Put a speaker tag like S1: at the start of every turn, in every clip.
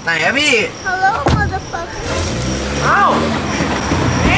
S1: ไหนอะพี่
S2: Hello motherfucker
S1: อ้าวนี่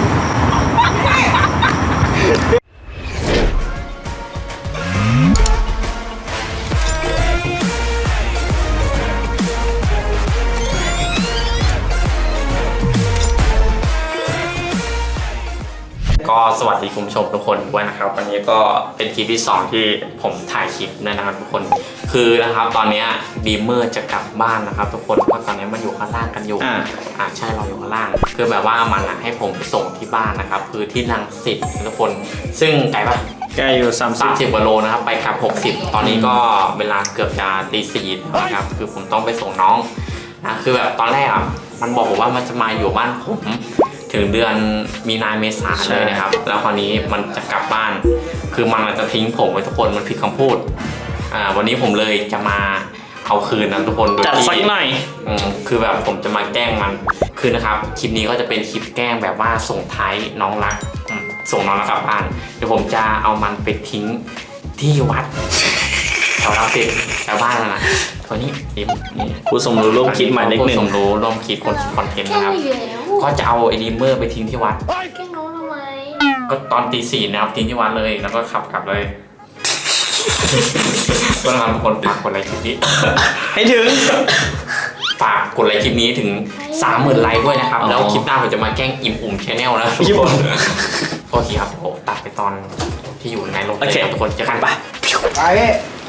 S3: ก็สวัสดีคุณผู้ชมทุกคนด้วยนะครับวันนี้ก็เป็นคลิปที่2ที่ผมถ่ายคลิปนะครับทุกคนคือนะครับตอนนี้ดีเมอร์จะกลับบ้านนะครับทุกคนเพราะตอนนี้มันอยู่ข้างล่างกันอยู่ใช่เราอยู่ข้างล่างคือแบบว่ามันให้ผมไปส่งที่บ้านนะครับคือที่รังสิตทุกคนซึ่งไกลปะ
S4: ใกล้อยู่
S3: 30กว่าโลนะครับไปกลับ60ตอนนี้ก็เวลาเกือบจะตี 4นะครับคือผมต้องไปส่งน้องนะคือแบบตอนแรกมันบอกว่ามันจะมาอยู่บ้านผมถึงเดือนมีนาเมษาเลยนะครับแล้วคราวนี้มันจะกลับบ้านคือมันจะทิ้งผมไว้ทุกคนมันผิดคำพูดวันนี้ผมเลยจะมาเอาคืนนะทุกคนโดยที่จัดสักหน่อยคือแบบผมจะมาแกล้งมันคือนะครับคลิปนี้ก็จะเป็นคลิปแกล้งแบบว่าส่งท้ายน้องรักส่งน้องรักกลับบ้านเดี๋ยวผมจะเอามันไปทิ้งที่วัดแถวรังสิตแถวบ้านนะตัวนี้นี่
S4: ผู้สมรู้ร่วมคิดมาเล็กหนึ่ง
S3: ผู้สมรู้ร่วมคิดคนคิดคอนเทนต์นะครับก็จะเอาไอ้ดีเมอร์ไปทิ้งที่วัด
S2: แกล้งน้องทำไม
S3: ก็ตอนตี 4นะครับทิ้งที่วัดเลยแล้วก็ขับกลับเลยก็ทำคนฝากกดไลค์คลิปนี้
S4: ให้ถึง
S3: ฝากกดไลค์คลิปนี้ถึง 30,000 ไลค์ด้วยนะครับแล้วคลิปหน้าผมจะมาแกล้งอิ่มอุ่มชาแนลนะทุกคนโอเคครับผมตัดไปตอนที่อยู่ในรถเลยทุกคนจะขันไป
S1: ไปพี่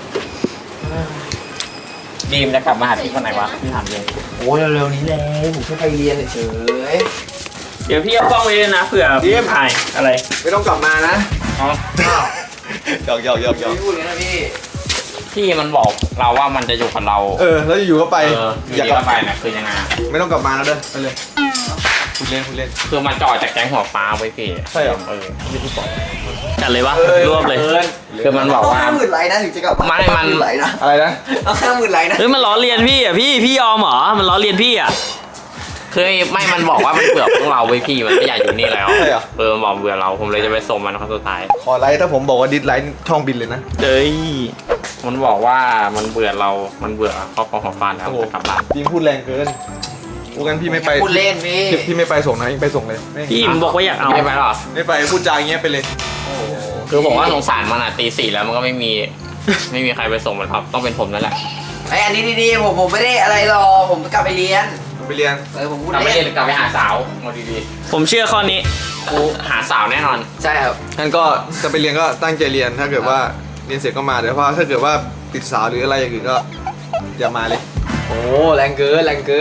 S3: ดีมจะกลับมาหาพี่วันไหนวะพี่ถามเลย
S1: โอ้เร็วๆนี้เลยผมแค่ไปเรียนเฉย
S4: เดี๋ยวพี่เอากล้องไว้เลยนะเผื่อพี่ถ่ายอะไร
S1: ไม่ต้องกลับมานะ
S3: อ๋อ
S1: หยอกพี่พูดอย่างนั้นนะ
S3: พี่มันบอกเราว่ามันจะอยู่กับเรา
S1: แล้วอยู่ก็ไป
S3: อยากกลับไปนะคือยังไง
S1: ไม่ต้องกลับมาแล้วเด้อไปเลยพูดเล่น
S3: คือมันจ่อจากแก๊งหัวฟ้าไว้พี่
S1: ใช่หรอ
S3: พี่พูดบอก
S4: จัดเลยวะรวบเลย
S3: คือมันบอกว่า
S1: 50,000 ไลค์นะถึงจะกลับ
S3: มัน
S1: ไลค์นะอะไรนะเอา50,000 ไลค์นะ
S4: มันล้อเลียนพี่พี่ยอมเหรอมันล้อเลียนพี่
S3: คือไม่มันบอกว่ามันเบื่อพวกเราไว้พี่มันไม่อยากอยู่นี่แล้วมันบอกเบื่อเราผมเลยจะไปส่งมันครั้งสุดท้าย
S1: ขอไลค์ถ้าผมบอกว่าดิสไลค์ช่องบินเลยนะ
S3: มันบอกว่ามันเบื่อเรามันเบื่อครอบครัวของฟ้าแล้วจะกลับบ้าน
S1: พี่พูดแรงเกินพูดกันพี่ไม่ไป
S3: พูดเล่น
S1: พี่ไม่ไปส่งนะไปส่งเลย
S4: พี่มันบอกว่าอยากเอา
S3: ไม่ไปหรอ
S1: ไม่ไปพูดจาอย่างเงี้ยไปเลย
S3: คือบอกว่าสงสารมันตี 4แล้วมันก็ไม่มีใครไปส่งมันครับต้องเป็นผมนั่นแหละ
S1: อันนี้ดีๆผมไม่ได้อะไรหรอกผมกลับไปเรียนผมพูด
S3: กลับไปเรียนกลับไปหาสาวมาดี
S4: ๆผมเชื่อข้อนี้
S3: กูหาสาวแน่นอน
S1: ใช่ครับงั้นก็จะไปเรียนก็ตั้งใจเรียนถ้าเกิดว่าเรียนเสร็จก็มาแต่ว่าถ้าเกิดว่าติดสาวหรืออะไรอย่างอื่นก็อย่ามาเลยโอ้แรงเกิน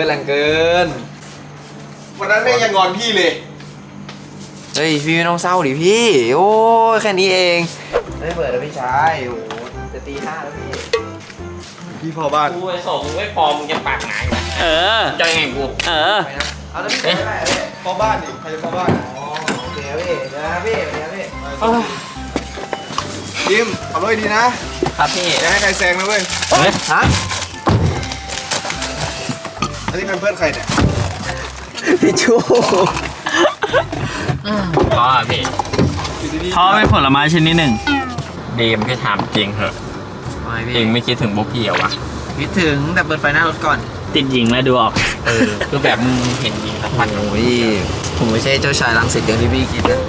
S1: วันนั้นแม่ยังงอนพี่เลยเฮ้ยพี่ไม่ต้องเศร้าดิพี่โอ้แค่นี้เองไม่เปิดแล้วพี่ชายโอ้จะตี 5แล้วพี่พอบ้าน
S3: กูไปส่งไม่พอมึงจะปากหนาอยู่จะยังไงกู
S1: เอาแล้วพี่พอบ้านดิใครจะพอบ้านอ๋อโอเคพี่เดี๋ยวนะพี่ดิมขับรถดีนะครับ
S3: พี่
S1: อย่าให้ใครแซงนะเว้ยฮะอันนี้เป็นเพื่อนใครเนี่ยพี่ชู
S3: ก็พี่
S4: เขาเป็นผลไม้ชนิดหนึ่ง
S3: ดีมพี่ถามจริงเหรอเองไม่คิดถึงพวกพี่เหรอวะ
S1: คิดถึงแต่เปิดไฟหน้ารถก่อน
S4: ติดหญิงแล้วดูออก
S3: คือแบบมึงเห็นหญิงสักพัน
S1: โอ้ยผมไม่ใช่เจ้าชายรังสิตอย่างที่พี่คิดนะ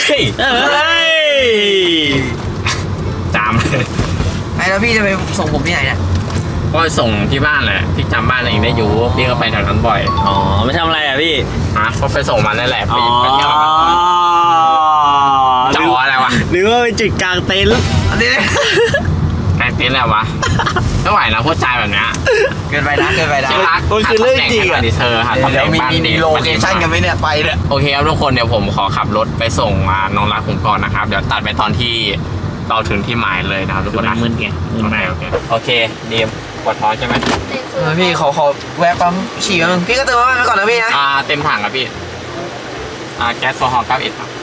S3: จามเลย
S1: แล้วพี่จะไปส่งผมที่ไหนเนี่ย
S3: ก็ส่งที่บ้านแหละพี่จำบ้านเองได้อยู่พี่ก็ไปแถวนั้นบ่อย
S4: ไม่ทำอะไรพี่
S3: ก็ไปส่งมันนั่นแหละพี่ไปเที่ยวจ่ออะไรวะ
S4: หรือว่าไปจุดกลางเต็นท์
S3: กลางเต็นท์อะไรวะไม่ไหวนะพูดจาแบบนี้
S1: เกินไปนะ
S3: ที่รัก
S4: มันคือเรื่องจริงอ่ะ
S3: เธอหาตำแหน่งบ้าน
S1: มีโลเคชั่นกันไหมเนี่ยไปเนี่ย
S3: โอเคครับทุกคนเดี๋ยวผมขอขับรถไปส่งน้องรักผมก่อนนะครับเดี๋ยวตัดไปตอนที่เราถึงที่หมายเลยนะครับทุกคนนะ
S4: มึนไง
S3: โอเคดีมปวดท้องใช่ไหม
S1: พี่ขอแวะปั๊มฉี่แป๊บนึงพี่ก็เติมน้ำมันไปก่อนนะพี่นะ
S3: เต็มถังครับพี่แก๊สโซฮอล์91ครับ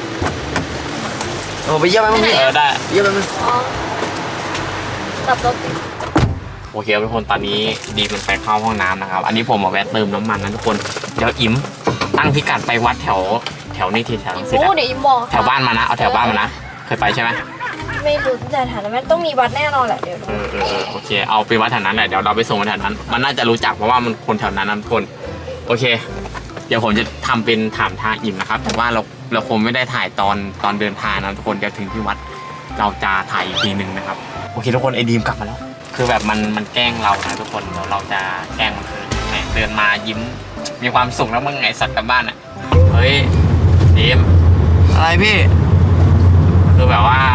S1: โอ้ไปเยี่ยมไหมมึงพี่
S3: ได้
S1: เยี่ยมไหมมึง
S2: ตับรถ
S3: โอเคทุกคนตอนนี้ดีมันไปเข้าห้องน้ำนะครับอันนี้ผมมาแวะเติมน้ำมันนะทุกคนเดี๋ยวอิ่มตั้งพิกัดไปวัดแถวนี้ทีแถวรังสิตแถวบ้านมานะเอาแถวบ้านมานะเคยไปใช่ไหม
S2: ไม่รู้แต่ฐานะมันต้องมีวัดแน่นอนแหละเดี๋ยว
S3: โอเคเอาไปวัดแถวนั้นแหละเดี๋ยวเราไปส่งแถวนั้นมันน่าจะรู้จักเพราะว่ามันคนแถวนั้นนะทุกคนโอเค เดี๋ยวผมจะทำเป็นถามทางอิ่มนะครับแต่ว่าเราคงไม่ได้ถ่ายตอนเดินทางนะทุกคนเดี๋ยวถึงที่วัดเราจะถ่ายอีกทีหนึ่งนะครับโอเคทุกคนไอ้ดีมกลับมาแล้วคือแบบมันแกล้งเรานะทุกคนเดี๋ยวเราจะแกล้งมันคืนแหมเดินมายิ้มมีความสุขแล้วมึงไงสัตว์กลับบ้านอ่ะเฮ้ยดีม
S1: อะไรพี่
S3: คือแบบว่า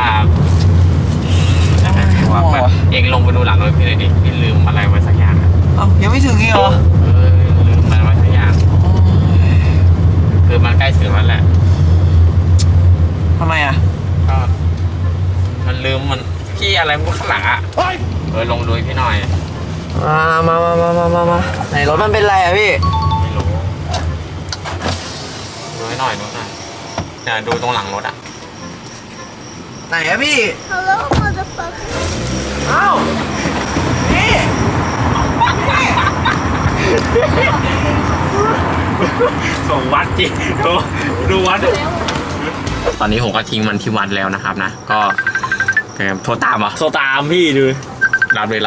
S3: แบบเองลงไปดูหลังรถพี่หน่อยดิพี่ลืมอะไรไว้สักอย่างอะ
S1: เอ้ายังไม่ถึงอีกเหรอ
S3: ลืมอะไรไว้สักอย่างคือมันใกล้ถึงแล้วแหละ
S1: ทำไมอ่ะ
S3: ก็มันลืมมันพี่อะไรมันข้างหลังอ่ะลงดูให้พี่หน่อย
S1: มาไหนรถมันเป็นไรอ่ะพี่
S3: ไม่รู้ดูให้หน่อยจะดูตรงหลังรถอ่ะ
S1: ไหนอะพี่
S2: ฮัลโหลมาจะฟัก
S1: เอ้าพี่
S4: ส่งวัดจริงดูวัด
S3: ตอนนี้ผมก็ทิ้งมันที่วัดแล้วนะครับนะก็โทรตามเหรอ
S4: โทรตามพี่ดู
S3: รับเลย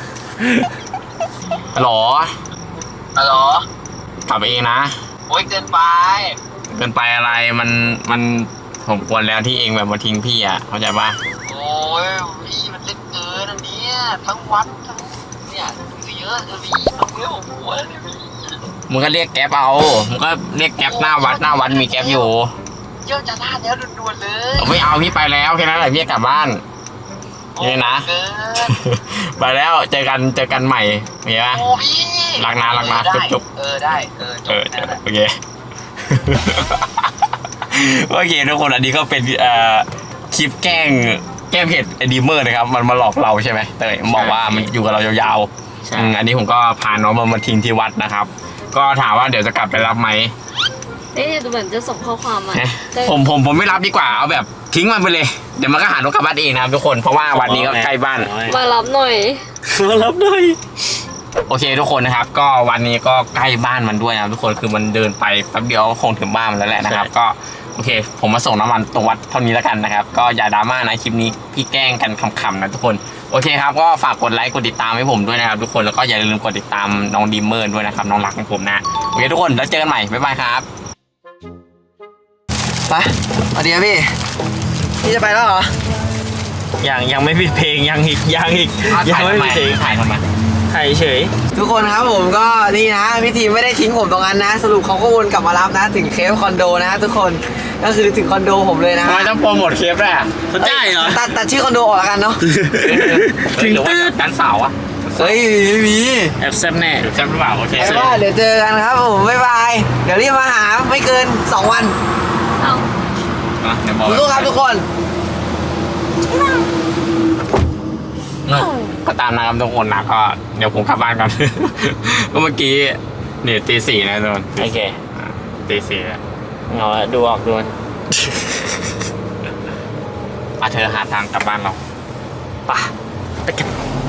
S3: ฮัลโหล
S5: ฮัลโหล
S3: กลับไปเองนะ
S5: โอ้ยเกินไป
S3: เกินไปอะไรมันผมควรแล้วที่เองแบบมาทิ้งพี่อ่ะเข้าใจป่ะ
S5: โอ้ยพี่มันเล็กเกินอันเนี้ยทั้งวัดทั้งเนี่ยเยอะเลยพี่ต้องเรียกผมหัวเลยพี่
S3: มึงก็เรียกแก๊ปเอามึงก็เรียกแก๊ปหน้าวัดมีแก๊ปอยู่
S5: เยอะจะลาดแล้วด่วนๆเลย
S3: ไม่เอาพี่ไปแล้วแค่นั้นแหละพี่กลับบ้านนี่นะ
S5: เกิน
S3: ไปแล้วเจอกันใหม่เห็นปะ
S5: โอ้พี่
S3: รักนะจุ๊บ
S5: ได้จบ
S3: โอเค โอเคทุกคนอันนี้ก็เป็นคลิปแกล้งเพจไอดีเมอร์นะครับมันมาหลอกเราใช่ไหมเตยบอกว่ามันอยู่กับเรายาวๆอันนี้ผมก็พาน้องมาทิ้งที่วัดนะครับ ก็ถามว่าเดี๋ยวจะกลับไปรับไหม
S2: เอ๊ะดูเหมือนจะส่งข้อความมา
S3: ผมไม่รับดีกว่าเอาแบบทิ้งมันไปเลยเดี๋ยวมันก็หารถกลับบ้านเองนะครับทุกคนเพราะว่าวันนี้ก็ใกล้บ้าน
S2: มารับหน่อย
S4: มารับหน่อย
S3: โอเคทุกคนนะครับก็วันนี้ก็ใกล้บ้านมันด้วยนะทุกคนคือมันเดินไปแป๊บเดียวก็คงถึงบ้านมันแล้วแหละนะครับก็โอเคผมมาส่งน้ำมันตรงวัดเท่านี้แล้วกันนะครับก็อย่าดราม่านะคลิปนี้พี่แกล้งกันขำๆนะทุกคนโอเคครับก็ฝากกดไลค์กดติดตามให้ผมด้วยนะครับทุกคนแล้วก็อย่าลืมกดติดตามน้องดีเมอร์ด้วยนะครับน้องรักของผมนะโอเคทุกคนแล้วเจอกันใหม่บ๊ายบายครับ
S1: ไปสวัสดีครับพี่จะไปแล้วเหรอ
S4: ยังไม่ปิดเพลงยังอีกยังไม่ปิดเพลง
S3: ถ่ายทำไม
S4: ถ่ายเฉย
S1: ทุกคนครับผมก็นี่นะพี่ทีมไม่ได้ทิ้งผมตรงนั้นนะ สรุปเขาก็วนกลับมารับนะถึงเคฟคอนโดนะทุกคนก็คือถึงคอนโดผมเลยนะ
S3: ทำไมต้องโปรโมทเคปด้วยอ่ะ
S4: เขาได้เหรอ
S1: ตัดชื่อคอนโดออกแล้วกันเนาะ
S3: ถึงหรือว่าดันสาวอ่ะ
S1: เฮ้ยไม่มี
S4: แอบแซ่บแน่
S3: ใช่หรือเปล่าโอเค
S1: เอาว่าเดี๋ยวเจอกันครับผมบ๊ายบายเดี๋ยวรีบมาหาไม่เกิน2 วัน
S2: เอา
S3: เดี๋ยวบอก
S1: สู้ๆครับทุกคน
S3: ก็ตามนะครับทุกคนนะก็เดี๋ยวผมกลับบ้านก่อน ก็เมื่อกี้เนี่ยตี 4นะทุกคน
S4: โอเค
S3: ตี 4แล้ว
S4: เอาละดูออกดูมัน
S3: เธอหาทางกลับบ้านเรา
S4: ไปกัน